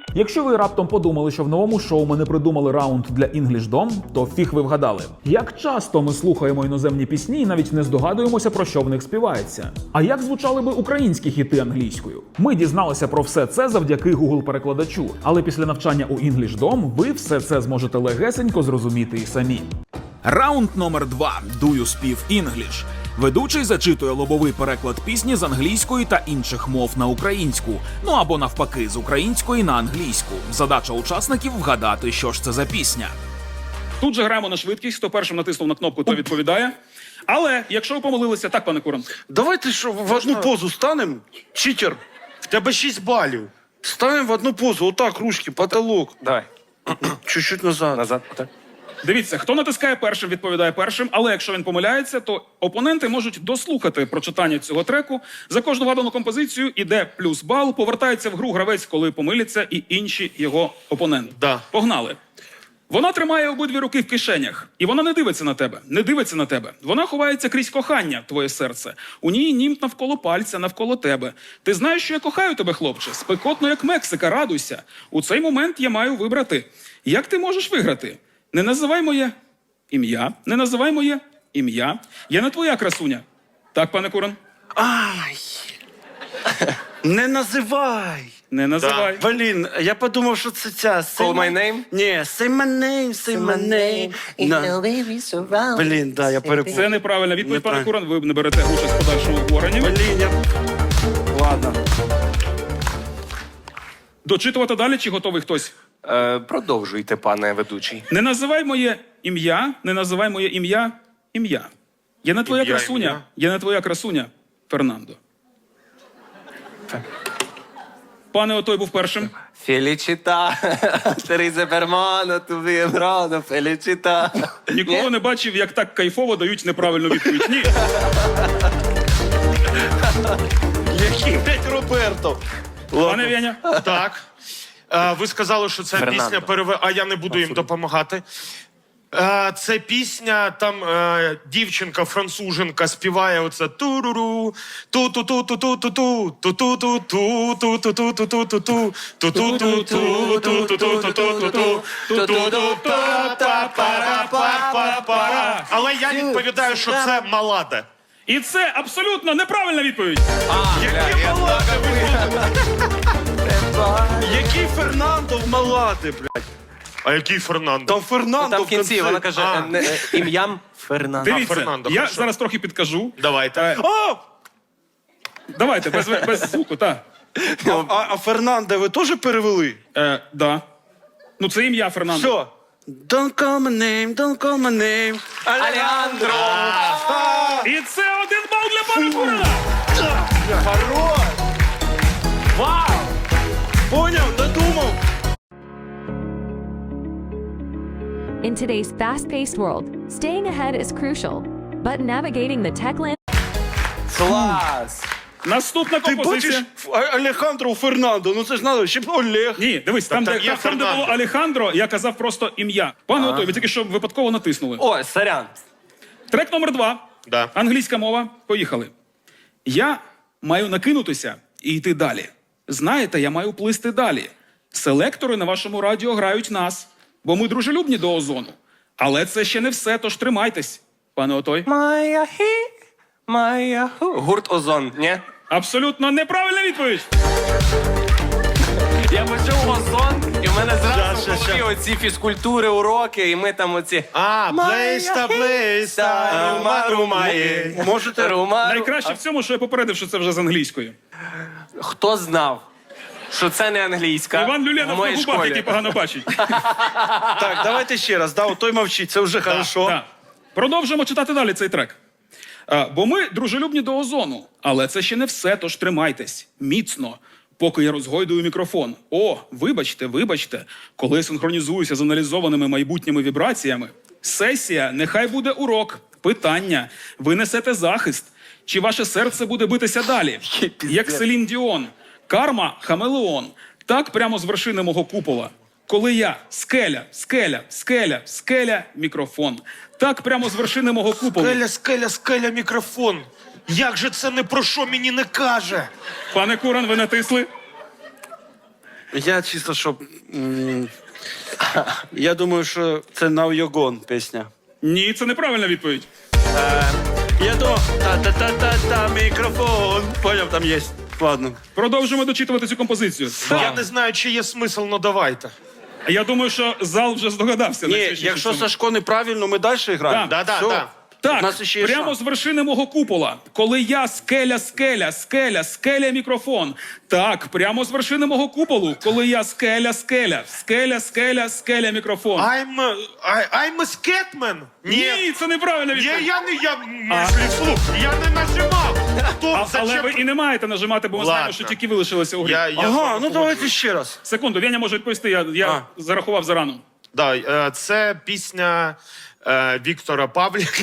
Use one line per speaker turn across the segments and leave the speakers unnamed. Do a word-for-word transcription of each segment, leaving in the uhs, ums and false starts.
Якщо ви раптом подумали, що в новому шоу ми не придумали раунд для English Dom, то фіг ви вгадали. Як часто ми слухаємо іноземні пісні і навіть не здогадуємося, про що в них співається? А як звучали би українські хіти англійською? Ми дізналися про все це завдяки Google-перекладачу, але після навчання у English Dom ви все це зможете легесенько зрозуміти і самі. Раунд номер два. Do you speak English? Ведучий зачитує лобовий переклад пісні з англійської та інших мов на українську, ну або навпаки, з української на англійську. Задача учасників вгадати, що ж це за пісня.
Тут же граємо на швидкість, хто першим натиснув на кнопку, то відповідає. Але якщо ви помилилися, так, пане Куран?
Давайте що, в одну позу станемо, читер, в тебе шість балів. Станемо в одну позу, отак, ручки, потолок.
Давай.
Чуть-чуть назад.
Назад. Так.
Дивіться, хто натискає першим, відповідає першим, але якщо він помиляється, то опоненти можуть дослухати прочитання цього треку. За кожну вгадану композицію іде плюс бал, повертається в гру гравець, коли помиляться, і інші його опоненти.
Да.
Погнали. Вона тримає обидві руки в кишенях, і вона не дивиться на тебе, не дивиться на тебе. Вона ховається крізь кохання, твоє серце. У ній німт навколо пальця, навколо тебе. Ти знаєш, що я кохаю тебе, хлопче? Спекотно, як Мексика, радуйся. У цей момент я маю вибрати. Як ти можеш виграти? Не називай моє ім'я, не називай моє ім'я. Я не твоя красуня. Так, пане Куран?
Ай! Не називай!
Не називай.
Блін, я подумав, що це ця...
Call my name?
Ні, say my name, say my name. На. Блін, да, я перепутав.
Це неправильна відповідь, пане
Неправильно.
Куран. Ви не берете участь в подальшому обговоренні.
Блін, я... Ладно.
Дочитувати далі, чи готовий хтось?
Е, продовжуйте, пане ведучий.
Не називай моє ім'я, не називай моє ім'я ім'я. Я не твоя
Ім'я,
красуня,
ім'я.
я не твоя красуня, Фернандо. Пане Отой був першим.
Фелічіта, Тереза Бермано, тубі брано, Фелічіта.
Ніколи не бачив, як так кайфово дають неправильну відповідь. Ні.
Який, блядь, Роберто?
Пане Веня.
Так. Е, ви сказали, що це
Фернандо.
пісня переве... А я не буду їм допомагати. Е, це пісня, там е, дівчинка, француженка співає оце туруру, ту-ту-ту-ту-ту-ту-ту, ту-ту-ту-ту, ту-ту-ту-ту-ту-ту, ту-ту-ту-ту-ту-ту-ту-ту-ту, ту-ту-ту-та-па-па-па-па-па. Але я відповідаю, що це Малада.
І це абсолютно неправильна відповідь.
Який Малада? Який Фернандо в Малади, блядь?
А який Фернандо?
Там Фернандо
Там в кінці вона каже
А.
е, не, е, ім'ям Фернандо.
Дивіться,
Фернандо,
я
хорошо.
зараз трохи підкажу.
Давайте.
Е,
О!
Давайте, без, без звуку, так.
А, а, а Фернандо ви теж перевели?
Е, да. Ну, це ім'я Фернандо.
Що? Don't call my name, don't call my name.
Алехандро!
І це один бал для пана Курана.
Хорош! Вау! Поняв, додумав.
In today's fast-paced world, staying ahead is crucial, but navigating the tech landscape
Клас!
Наступна
Ти
композиція.
бачиш Ф- А- Алехандро Фернандо, ну це ж надо, ще б Олег.
Ні, дивись, там,
там
де,
є
там, де було
Фернандо.
Алехандро, я казав просто ім'я. Пане Отой, ви тільки що випадково натиснули.
О, сорян.
Трек номер два.
Да.
Англійська мова. Поїхали. Я маю накинутися і йти далі. Знаєте, я маю плисти далі. Селектори на вашому радіо грають нас, бо ми дружелюбні до озону. Але це ще не все, тож тримайтесь, пане Отой.
Моя хі, моя ху. Гурт Озон, ні?
Абсолютно неправильна відповідь.
Я почув Озон, і в мене зразу
Ща,
в
ща,
голові оці фізкультури, уроки, і ми там оці...
А, Блейста, Блейста, Рума, Румає.
Можете?
Рума,
Найкраще в цьому, що я попередив, що це вже з англійської.
Хто знав, що це не англійська
Іван
в
Люленов на
моїй
губах,
школі?
який погано бачить.
Так, давайте ще раз, да, той мовчить, це вже хорошо.
Так. Продовжуємо читати далі цей трек. А, бо ми дружелюбні до озону, але це ще не все, тож тримайтесь міцно, поки я розгойдую мікрофон. О, вибачте, вибачте, коли я синхронізуюся з аналізованими майбутніми вібраціями. Сесія, нехай буде урок, питання, ви несете захист, чи ваше серце буде битися далі, як Селін Діон, карма, хамелеон, так прямо з вершини мого купола. Коли я скеля, скеля, скеля, скеля, мікрофон. Так прямо з вершини мого куполу.
Скеля, скеля, скеля, мікрофон. Як же це не про що мені не каже?
Пане Куран, ви натисли?
Я чисто, щоб... м, Я думаю, що це Now You're Gone пісня.
Ні, це неправильна відповідь.
Я думав, та-та-та-та-та, мікрофон. Поняв, там є. Ладно.
Продовжуємо дочитувати цю композицію.
Я не знаю, чи є смисл, но давайте.
Я думаю, що зал вже здогадався.
Ні,
найчастіше
якщо
в цьому.
Сашко неправильно, ми далі граємо.
Да,
да,
Все.
да.
У
Так,
нас ще є
прямо
шанс.
з вершини мого купола, коли я скеля, скеля, скеля, скеля мікрофон. Так, прямо з вершини мого куполу, коли я скеля, скеля, скеля, скеля, скеля мікрофон.
I'm a, I, I'm a sketman.
Ні, це неправильно
Я,
відповідь.
я не я мислі вслух. Я не нажимав. Хто
А,
зачем?
але ви і не маєте нажимати, бо ми знаємо,
Ладно.
що тільки ви лишилися у грі.
Я, я з
Ага,
вами
ну давайте
погоджуюсь.
ще раз.
Секунду, Веня може відповісти, я, я
А.
зарахував зарано.
Да, е, це пісня е, Віктора Павліка.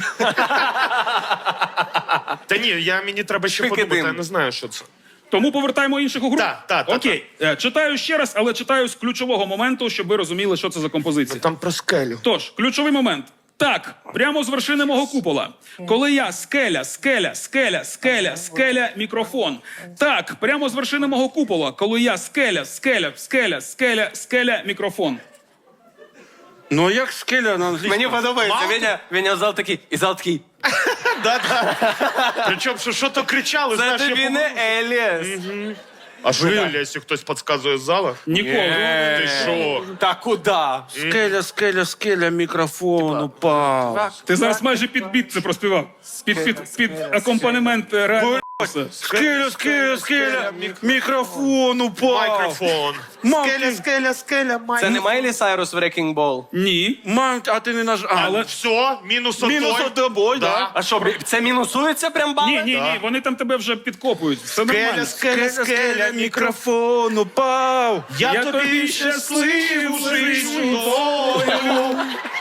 Та ні, я, мені треба ще
Викидим.
подумати, я не знаю, що це.
Тому повертаємо інших у гру.
Так, так, так,
Окей, Е, читаю ще раз, але читаю з ключового моменту, щоб ви розуміли, що це за композиція.
Там про скелю.
Тож, ключовий момент. Так, прямо з вершини мого купола. Коли я скеля, скеля, скеля, скеля, скеля, мікрофон. Так, прямо з вершини мого купола. Коли я скеля, скеля, скеля, скеля, скеля, мікрофон.
Ну, а як скеля на англійському?
Мені подобається.
Мало?
Веня, Веня в зал такий, і зал такий.
Причому, що, що то кричали,
Це
знаєш, я
тобі
помню.
не Еліс.
А що Елі, якщо хтось підказує з зала?
Ніколи.
Ти що?
Та куди?
Скеля, скеля, скеля, мікрофон упав.
Ти зараз майже під біт це проспівав. Під, під, під акомпанемент е, реального.
Скеля, скеля, скеля, мікрофон упав.
Мікрофон.
Мам,
Скеля,
ти-
скеля, скеля, май.
Це не Майлі Сайрус в Wrecking Ball?
Ні.
Мам, а ти не наж... А,
Але-
Все, мінус отой.
мінус тобою, да?
А що, це мінусується прям бали?
Ні, ні, ні, вони там тебе вже підкопують. Все нормально.
Скеля, скеля, скеля, мікрофон.
мікрофон упав.
Я,
Я
тобі
тобі
щасливу
щасливу
життю.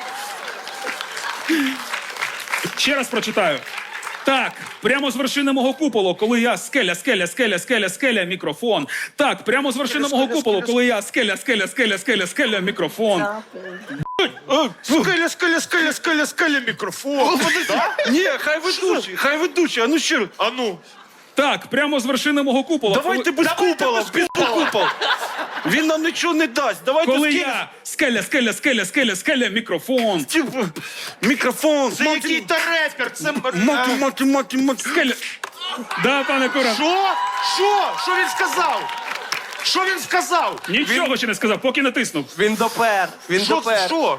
Ще раз прочитаю. Так, прямо з вершини мого куполу, коли я скеля, скеля, скеля, скеля, скеля, мікрофон. Так, прямо з вершини мого куполу, коли я скеля, скеля, скеля, скеля, скеля, мікрофон.
Скеля, скеля, скеля, скеля, скеля, мікрофон.
Ні, хай ведучий, хай ведучий, а ну ще раз.
А ну.
Так, прямо з вершини мого купола.
Давайте без купола, без купол. Він нам нічого не дасть. Давайте
Коли
скеля,
я скеля, скеля, скеля, скеля, скеля, мікрофон.
типу, мікрофон.
Це який-то репер. Це...
Мати, мати, мати, мати.
Скеля. Да, пане Куран.
Що? Що? Що він сказав? Що він сказав?
Нічого ще не сказав, поки натиснув.
Він допер. Він
Що?
допер.
Що?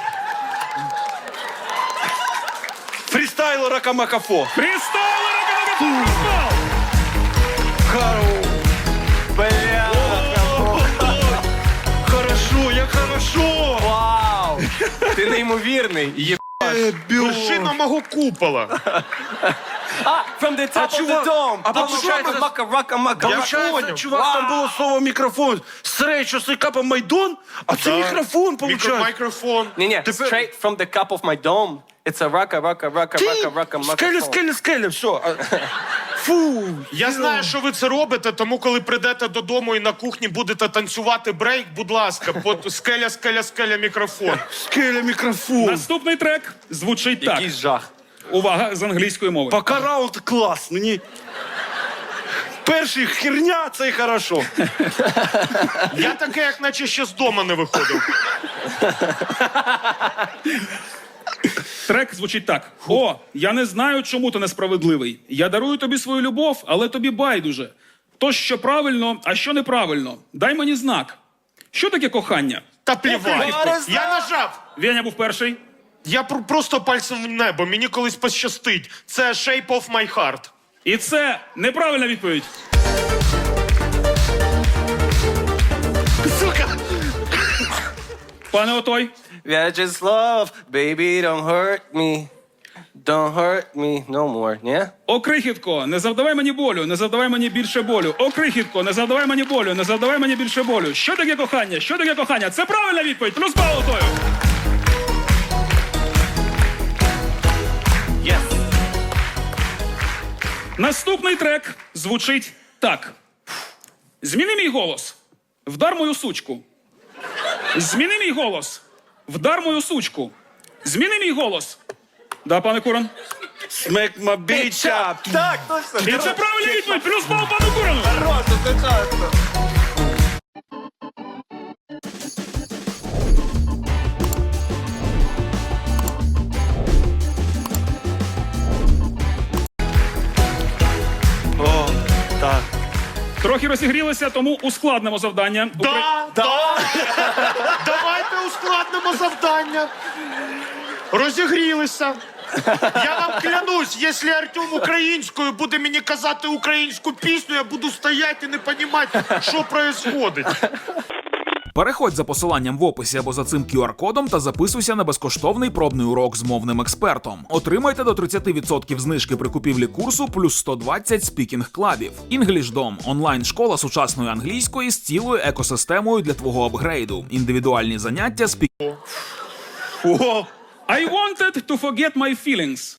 Фрістайл Ракамакафо.
Пристали, ракамакафон!
Бля.
Хорошо, як хорошо.
Вау. Ти неймовірний. Є...
Вершина мого купола.
А, from the top of the
чувак-
dome.
а
Там
получається-
мака, рака, мака,
Я
мака.
Получається,
понял.
чувак, там
Вау.
було слово мікрофон. Срей, що це капа Майдон, а це
Да.
мікрофон,
Мікро-
получається.
Мікрофон.
Ні-ні,
Тепер-
straight from the cup of my dome. It's a raka, raka, raka, raka, raka, maca.
Скеля, скеля, скеля, все. А- Фу.
Я знаю, що ви це робите, тому коли прийдете додому і на кухні будете танцювати брейк, будь ласка, под скеля, скеля, скеля, мікрофон.
Скеля, мікрофон.
Наступний трек звучить так.
Якийсь жах.
Увага з англійської мови.
Пока раунд клас, мені... Перший херня, це і хорошо.
Я таке, як наче ще з дому не виходив.
Трек звучить так: О, я не знаю, чому ти несправедливий. Я дарую тобі свою любов, але тобі байдуже. То, що правильно, а що неправильно. Дай мені знак. Що таке кохання?
Та плівай.
Окей.
Я нажав.
Веня був перший.
Я пр- просто пальцем в небо, мені колись пощастить. Це Shape of my heart.
І це неправильна відповідь.
Сука.
Пане Отой,
Yeah, just love, baby, don't hurt me. Don't hurt me no more, ні?
о, крихітко, не завдавай мені болю, не завдавай мені більше болю. О, крихітко, не завдавай мені болю, не завдавай мені більше болю. Що таке кохання? Що таке кохання? Це правильна відповідь. Плюс бал Отою.
Yes.
Наступний трек звучить так. Зміни мій голос. Вдар мою сучку. Зміни мій голос. Вдар мою сучку. Зміни мій голос. Да, пане Куран?
Смек ма біча.
Так, точно.
І це правильна відповідь. Плюс бал пану Курану.
Хорошо, це часто.
Трохи розігрілися, тому ускладнимо завдання. Укра-
Да, да. Давайте ускладнимо завдання. Розігрілися. Я вам клянусь, якщо Артем українською буде мені казати українську пісню, я буду стояти і не розуміти, що відбувається.
Переходь за посиланням в описі або за цим ку ар кодом та записуйся на безкоштовний пробний урок з мовним експертом. Отримайте до тридцять відсотків знижки при купівлі курсу плюс сто двадцять спікінг-клабів. EnglishDom – онлайн-школа сучасної англійської з цілою екосистемою для твого апгрейду. Індивідуальні заняття, спік...
I wanted to forget my feelings.